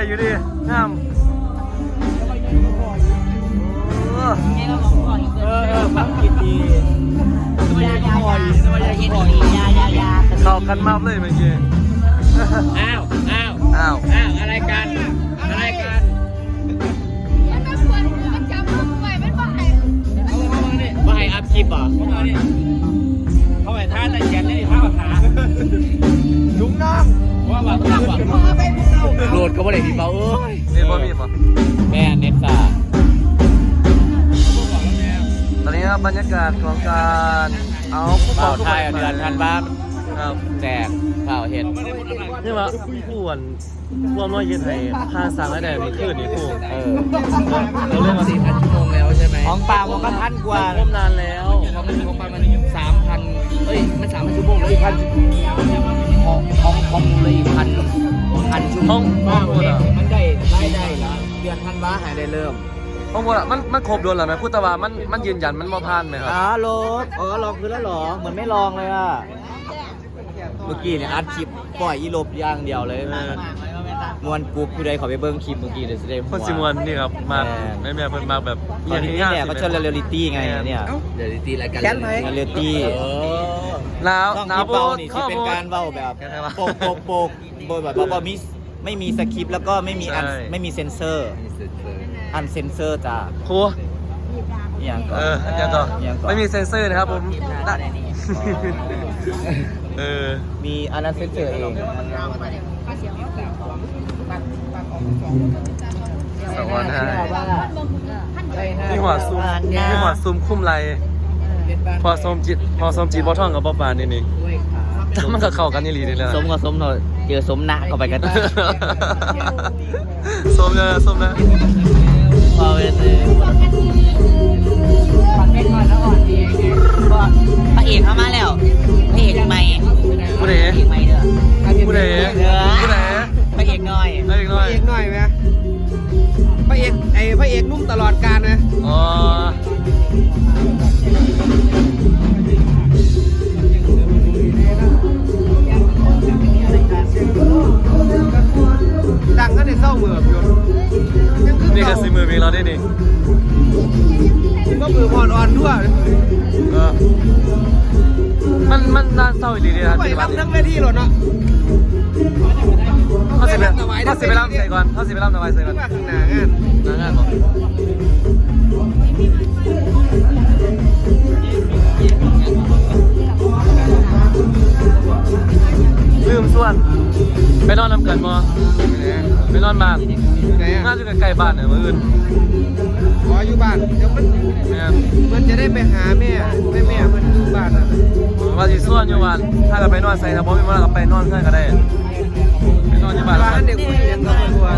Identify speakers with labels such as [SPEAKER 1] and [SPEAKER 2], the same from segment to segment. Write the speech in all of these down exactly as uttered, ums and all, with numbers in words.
[SPEAKER 1] อยู่ดิงามเออเออฟังกินดียายายายายายาเข้ากันมากเลยเมื่อกี้
[SPEAKER 2] อ้าวอ้าว
[SPEAKER 1] อ้าว
[SPEAKER 2] อ้าวอะไรกันอะไรกัน
[SPEAKER 3] มันไม่ควรมันจำมือไว้ไม่ไหว
[SPEAKER 2] เอาเข้ามาเนี่ยมาให้อัพคลิปอ่ะเข้ามาเนี่ยเขาให้ท่าตะเกียนนี่ท่าขาลุงน้องว่าว่าต้องว่าโหลดก็ไม่ได้พี่เปาเอ้ย
[SPEAKER 1] เน็ตบ่มีป่ะ
[SPEAKER 2] แม่เน็ตซ่า
[SPEAKER 1] ตอนนี้ครับบรรยากาศของการเอา
[SPEAKER 2] เป่าไทยเดือนพันบ้าน
[SPEAKER 1] ครับ
[SPEAKER 2] แจกเป่าเห็ด
[SPEAKER 1] นี่ว่าผู้วันผู้ว่าน้อยเย็นไทยค่าสั่งได้ในคืนนี้ผู้
[SPEAKER 2] เออเราเล่นมาสี่พันชั่วโมงแล้วใช่ไหมของปลามันก็พันกว่า
[SPEAKER 1] ร่วมนานแล้ว
[SPEAKER 2] ของของปลามันสามพันเอ้ยมันสามพันชั่วโมงแล้วอีกพันของของของเลยอีกพันพันชั่วโมงมันได้ได้ได้แล้วเดือนพันบ้าหายได้เริ่ม
[SPEAKER 1] ของบัวมันมันครบโดนหรือไหมพูดแต่ว่ามันมันยืนยันมันบ่ผ่านไหมครับ
[SPEAKER 2] อ๋อลบอ๋อลองคือแล้วหรอเหมือนไม่ลองเลยอ่ะเมื่อกี้เนี่ยอัดคลิปปล่อยอีลบอย่างเดียวเลยมวนปุ๊บผู้ใดขอไปเบิ้งคลิปเมื่อกี้เลยจะได้
[SPEAKER 1] คนสิมวนนี่ครับมาแม่แม่เพิ่นมาแบบ
[SPEAKER 2] ตอนนี้เนี่ยเขาชวนเรียลลิตี้ไงเนี่ยเรียลลิตี้รายการเรียลลิตี้
[SPEAKER 1] หนาวหนาวโบ
[SPEAKER 2] นี่ที่เป็นการเว้าแบบโปกโปกโปกโบแบบว่ามิสไม่มีสคริปต์แล้วก็ไม่มีอันไม่มีเซนเซอร์อันเซนเซอร์จ้า
[SPEAKER 1] ครู
[SPEAKER 2] อย่างก็
[SPEAKER 1] เอออย่างก็ไม่มีเซนเซอร์นะครับผมเออ
[SPEAKER 2] มีอันนั้นเซนเซอร์เอง
[SPEAKER 1] สวัสดีนี่หัวซูมนี่หัวซูมคุ้มไรพอสมจิตพอสมจิตบอท่องกับบ๊อบปานนี่นี่ถ้ามันก็เข้ากันนี่ลีนี่แหละ
[SPEAKER 2] สมกับสมหน่อยเจอสมหนักเข้าไปกัน
[SPEAKER 1] สมเลยสมนะ
[SPEAKER 2] พอเป็นเลยพระเอกเข้ามาแล้วพระเอกใหม่
[SPEAKER 1] ผู้ใด
[SPEAKER 2] พระเอกใหม่เด้อ
[SPEAKER 1] ผู้ใดผู้ใด
[SPEAKER 2] พระเอกน้อย
[SPEAKER 1] พระเอกน้อย
[SPEAKER 4] พระเอกน้อยไหมพระเอกไอ้พระเอกนุ่มตลอดกาลไหม
[SPEAKER 1] อ๋อ
[SPEAKER 4] ดังก็ในเศร้าเหมือบอยู่
[SPEAKER 1] นี่ก็สิมือมีเราได้นี่
[SPEAKER 4] ก็มือพอนอ่อนด้วย
[SPEAKER 1] มันมันน่าเศร้าดีเลยนะ
[SPEAKER 4] ไปรับทั้งเวทีหรอเนาะ
[SPEAKER 1] เขาสิไปเขาสิไปรับใส่ก่อนเขาสิไปรับทำไมใส่ก่อน
[SPEAKER 4] ข้างหน้างาน
[SPEAKER 1] หน้างานบอกลืมส่วนไปนอนน้ำเกินมอไปนอนบ้านน่าจะใกล้บ้านเนี่ยมื่ออื่น
[SPEAKER 4] ขออยู่บ้านเดี๋ยวมันมันจะได้ไปหาแม่แม่แม่มันอยู่บ้านอ่ะ
[SPEAKER 1] ว่าสิส่วนอยู่บ้านถ้าเราไปนอนใส่ถ้าบ่มีเวลาก็ไปนอนเพื่อนก็ได้ไปนอนอยู่บ้าน
[SPEAKER 4] บ้านเด็กผู้หญิงก็ไม่กลัว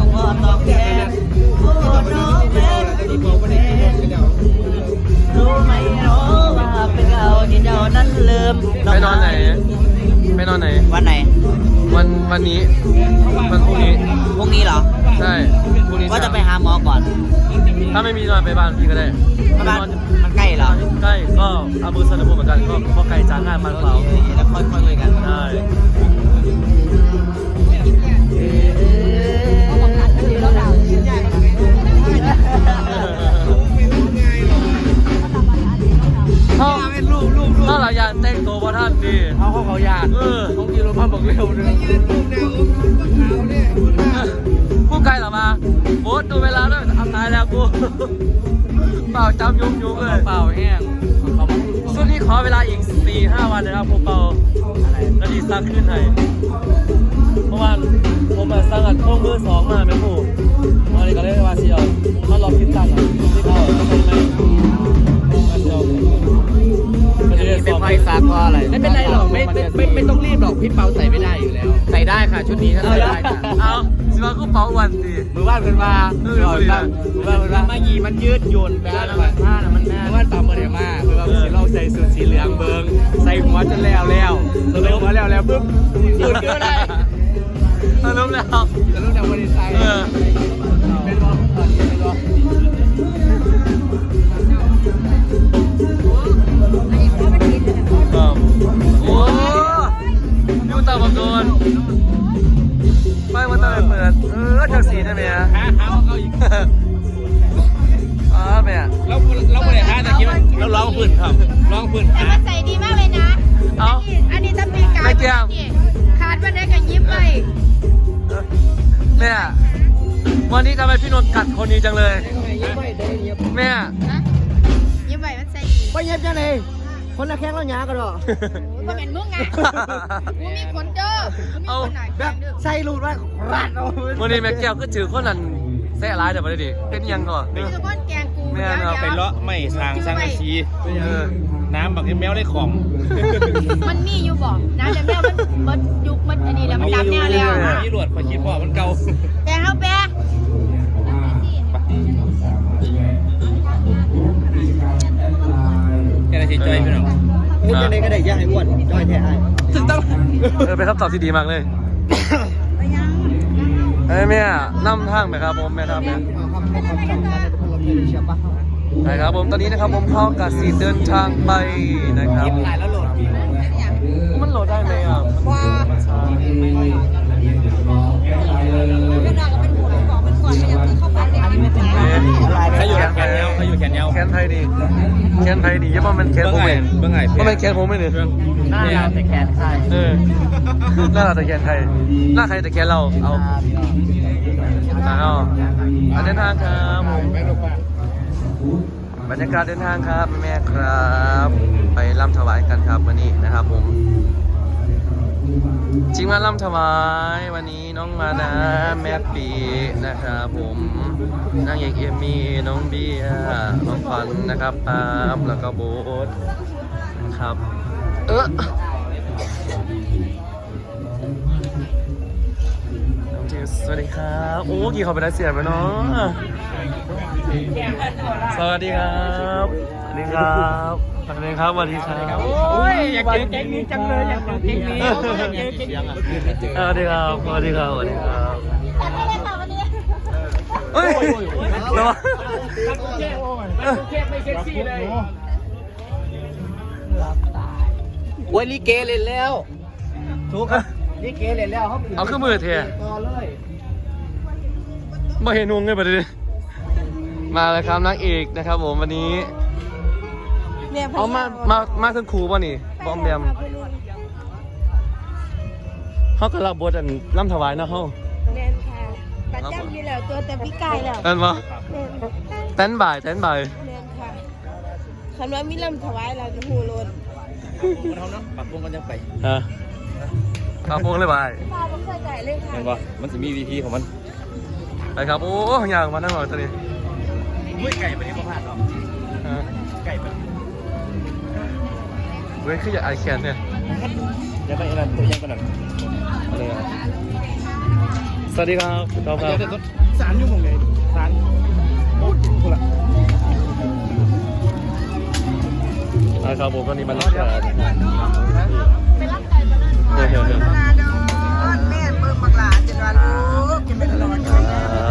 [SPEAKER 2] รู้ไหมรู้ว่าเป็นเราที่เจ้านั้นลืม
[SPEAKER 1] ไปนอนไหนไปนอนไหน
[SPEAKER 2] วันไหน
[SPEAKER 1] วันวันนี้วันพรุ่งนี้
[SPEAKER 2] พรุ่งนี้เหรอ
[SPEAKER 1] ใช่พรุ่งนี้
[SPEAKER 2] ว่าจะไปหาหมอก่อน
[SPEAKER 1] ถ้าไม่มีนอนไปบ้านพี่ก็ได้
[SPEAKER 2] บ้านมันใกล้เหรอ
[SPEAKER 1] ใกล้ก็อาบูซาลาบูเหมือนกันก็ก็ไกลจากงานบ้านเรา
[SPEAKER 2] แล้วค่อยๆคุยกัน
[SPEAKER 1] ได้เขาถ้าเราอยากแต่งตัวว่าท่านดี
[SPEAKER 2] เขาเขาเขาอยาก
[SPEAKER 1] เออ
[SPEAKER 2] เขากินรถพันบอกเร็วเลย
[SPEAKER 1] ผู้ไกลหรอมาโบ๊ทดูเวลาด้วยทำตายแล้วกูเปล่าจำยุ่งยุ่งเลย
[SPEAKER 2] เปล่าแห้ง
[SPEAKER 1] ช่วงนี้ขอเวลาอีกสี่ห้าวันนะครับผมเปล่านาทีซักขึ้นให้เมื่อวานผมมาสั่งอัดข้อมือสองมาไม่ถูกวันนี้ก็เลยว่าเชียวมาลองคิดตังค์อ่ะที่เขาทำไมไม่มาเชียว
[SPEAKER 2] เป็นไฟซักก็อะไรไม่เป็นไรหรอกไม่ไม่ไม่ต้องรีบหรอกพี่เปาใส่ไม่ได้อยู่แล้วใส่ได้ค่ะชุดนี้ถ้าใส่ได้ค่ะ
[SPEAKER 1] เอาสิว่าก็เปาวันสิ
[SPEAKER 2] มือว่านเพิ่นมามือว่านมือว่านเพิ่นมามายีมันยืดหยุ่นแบบนั้นผ้าน่ะมันแน่มือว่านตามมาเดี๋ยวมาเพิ่นว่าสิเราใส่สูทสีเหลืองเบิ่งใส่หัวจนแล้วแล้วใส่หัวแล้วแล้วปุ๊บสูทคืออะไร
[SPEAKER 1] สรุปแล้ว
[SPEAKER 2] สรุปแล้วบ่ได้ใส่
[SPEAKER 1] เออ
[SPEAKER 2] เป็นบ่เป็นบ่
[SPEAKER 1] โอ้ยูตาบังโดนไฟมันตะเปิดเออจากสีช่ไหมฮะ
[SPEAKER 2] หาหาเขาอีก
[SPEAKER 1] อ๋อแม่
[SPEAKER 2] เราเราไม่ได้หาแต่คิดว่าเราร้องพื้นครับร้องพื้น
[SPEAKER 3] แต่
[SPEAKER 2] หา
[SPEAKER 3] มันใส่ดีมากเลยนะ
[SPEAKER 1] เอ้า
[SPEAKER 3] อันนี้ถ้าปีกาย
[SPEAKER 1] ไม่เกี่ยว
[SPEAKER 3] ขาดวันนี้ก็ยิ้มเลย
[SPEAKER 1] แม่วันนี้ทำไมพี่นนท์กัดคนนี้จังเลย
[SPEAKER 4] ยิ้มไม่ได้เงียบ
[SPEAKER 1] แม่
[SPEAKER 3] นะยิ้มไปมันใส่ดี
[SPEAKER 4] ไปเงียบจังเลยคนละแข้งแล้วหยากันหรอ
[SPEAKER 3] มันเป็นมึงไงกูมีขนเด้อกูมีขนหน่อย
[SPEAKER 4] แบบใส่รูดว่ารัดเอา
[SPEAKER 1] วันนี้แม่แก้วก็ถือคนนั้นแซ่ร้ายเดี๋ยวไปดิเป็นยังก่อน
[SPEAKER 3] มีทุกคนแกงกู
[SPEAKER 1] แม่เนาะ
[SPEAKER 2] ไปเลาะไม่สร้างสร้างอาชี
[SPEAKER 1] เออ
[SPEAKER 2] น้ำบักแมวได้ของ
[SPEAKER 3] มันมีอยู่บอกนะแต่แมวมันมันยุกมันอันนี้แล้วมันดำแนวแล้ว
[SPEAKER 2] นี่หลวดพอคิดว่ามันเก่า
[SPEAKER 3] แต่เขาแปะ
[SPEAKER 2] แค่ไหนที่จอยพี่น้อง
[SPEAKER 4] เฮ้ยยังไงก็ได้ย่าให้อ้วนย่อยแท้ไอ้
[SPEAKER 2] ถึงต้อง
[SPEAKER 1] เออเป็นคำตอบที่ดีมากเลยเอ้ยแม่นำทางไหมครับผมแม่ครับแม่
[SPEAKER 4] ครับครับครับคนละเพลงเชียร์ปะ
[SPEAKER 1] ใช่ครับผมตอนนี้นะครับผมเข้ากับสีเดินทางไปนะครับ
[SPEAKER 2] ยิ้มหลายแล้วโหลด
[SPEAKER 1] มันโหลดได้ไหมอ่ะ
[SPEAKER 3] ว่าเป็นดาก็เป็นหัวบอกมันก่อนมันยังเข้าไปเลยอันนี้ไม่เป็นไร
[SPEAKER 2] เขาอยู่แขนยาวเขาอยู่แขนยาว
[SPEAKER 1] แคนไทยดีแคนไทยดียังว่ามันแคนผมเอง
[SPEAKER 2] เบื้องไง
[SPEAKER 1] ว่ามันแคนผมไม่เนี่ย
[SPEAKER 2] หน้าเราแต่แขนใช่
[SPEAKER 1] เออหน้าเราแต่แคนไทยหน้าใครแต่แคนเราเอาเอาเอาเดินทางครับผมบรรยากาศเดินทางครับแม่ครับ ไปร่ำถวายกันครับวันนี้นะครับผมจริงมาร่ำถวายวันนี้น้องมานะแม่ปีนะครับผมนางเอกเอมมี่น้องเบียร์น้องฟันนะครับปาล์มแล้วก็โบ๊ทครับเออน้องเจสสวัสดีครับโอ้กี่เขาไปได้เสียไปเนาะสวัสดีครับสวัสดีครับสวัสดีครับสวัสดีครับ
[SPEAKER 2] โอ้ยอยากเจอแก๊งนี้จังเลยอยากเจอแก๊งนี้อยากเจอแก๊งนี้
[SPEAKER 1] สวัสดีครับสวัสดีครับสวัสดีครับ
[SPEAKER 3] แต่ไม่ได้ค่ะวันนี้
[SPEAKER 1] เฮ้ยระวัง
[SPEAKER 2] เค้กไม่เซ็กซี่เลย
[SPEAKER 4] โอ้ยลิเกเล่นแล้วถูกครับลิเกเล่นแล้วเขา
[SPEAKER 1] เอาขึ้นมือเท
[SPEAKER 4] ต่อเลย
[SPEAKER 1] มาเห็นวงเลยประเดี๋ยวมาเลยครับนางเอกนะครับผมวันนี้เอามามามาขึ้นครูป่ะนี่บอมแบมเขาก็รับบทอันล่ำถวายนะเขา
[SPEAKER 3] แมนค่ะประจำอยู่แล้วตัวแต่พี่กายแล้ว
[SPEAKER 1] เอ็นปะ
[SPEAKER 3] แมน
[SPEAKER 1] เต้นบ่ายเต้นบ่าย
[SPEAKER 3] แมนค่ะคำว่ามีลำถวายเราจะหูโลน
[SPEAKER 2] มันเท่านั้นปรับปรุงกันจะไป
[SPEAKER 1] ฮะมาพวงเลยบ่าย
[SPEAKER 3] ตาผมเคยใจเลยค่ะ
[SPEAKER 2] เห็นป่ะมันจะมีวีพีของมัน
[SPEAKER 1] ไปครับโอ้ยางมานั่งหน่อยตอนนี้
[SPEAKER 2] อุ้ยไก่ไปนี่มาพลาดหรอ
[SPEAKER 1] ฮะ
[SPEAKER 2] ไก่ไป
[SPEAKER 1] เว้ยคืออยากไอแคนเนี่ย
[SPEAKER 2] เดี๋ยวไปอะไรตัวยังกันหน่อย
[SPEAKER 1] อะไรอ่ะสวัสดีครับคุณท็อปครับ
[SPEAKER 2] เดี๋ยวสารอยู่ตรงไหนสารโอ้ยกูละ
[SPEAKER 1] นะครับผมตอนนี้มันรับการ
[SPEAKER 3] ไปรับไก่มานั่น
[SPEAKER 1] เฮ้ยเฮ้ยเฮ้ย
[SPEAKER 3] แม่เบิ่งบักหลาจนว่าลูกจะเป็นร้อน
[SPEAKER 1] ครับ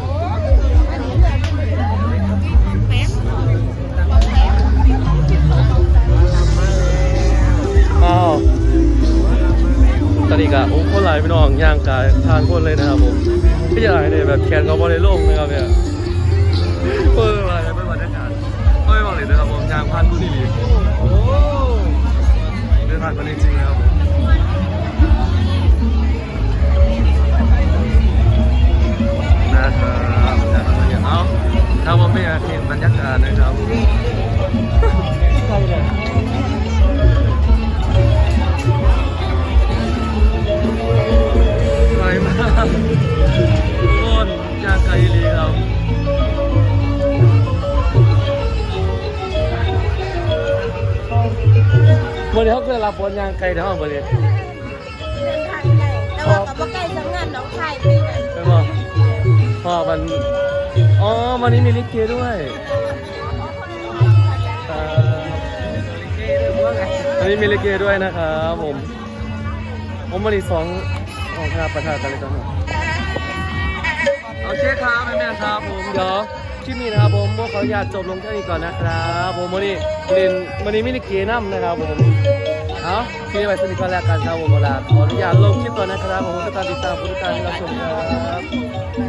[SPEAKER 1] อ้าวตอนนี้ก็โอ้คนหลายพี่น้องย่างกายทางคนเลยนะครับผมพี่จะไหนเนี่ยแบบแขนเขาบอลในโลกนะครับเนี่ยเปิดอะไรเปิดบรรยากาศเปิดบอกเลยนะครับผมยางพันผู้ดีโอ้เดินผ่านคนจริงๆนะครับนะครับนะครับอย่างเอาถ้าว่าไม่อยากเห็นบรรยากาศนะครับใครเนี่ยไกลมากทุกคนยางไกลเลยครับวันนี้เขาเคยรับบอลยางไกลเท่าไหร่วันนี้
[SPEAKER 3] เดินทางไกลแต่ว่ากับว่าไกลสังงานน้องชายปีนั้น
[SPEAKER 1] เป็นบ่พ่อมันอ๋อวันนี้มีลิเกด้วยอ่าวันนี้มีลิเกด้วยนะครับผมผมวันนี้สองออกครับประธานกันเลยครับโอเคครับแม่ๆครับผมเดี๋ยวคลิปนี้นะครับผมขออนุญาตจบลงแค่นี้ก่อนนะครับผมวันนี้เรียนวันนี้มิลิเกน้ำนะครับผมเอาคลิปนี้ไว้สนิทกันแล้วกันครับผมเวลาขออนุญาตลงคลิปก่อนนะครับผมทุกการติดตามทุกการรับชมครับ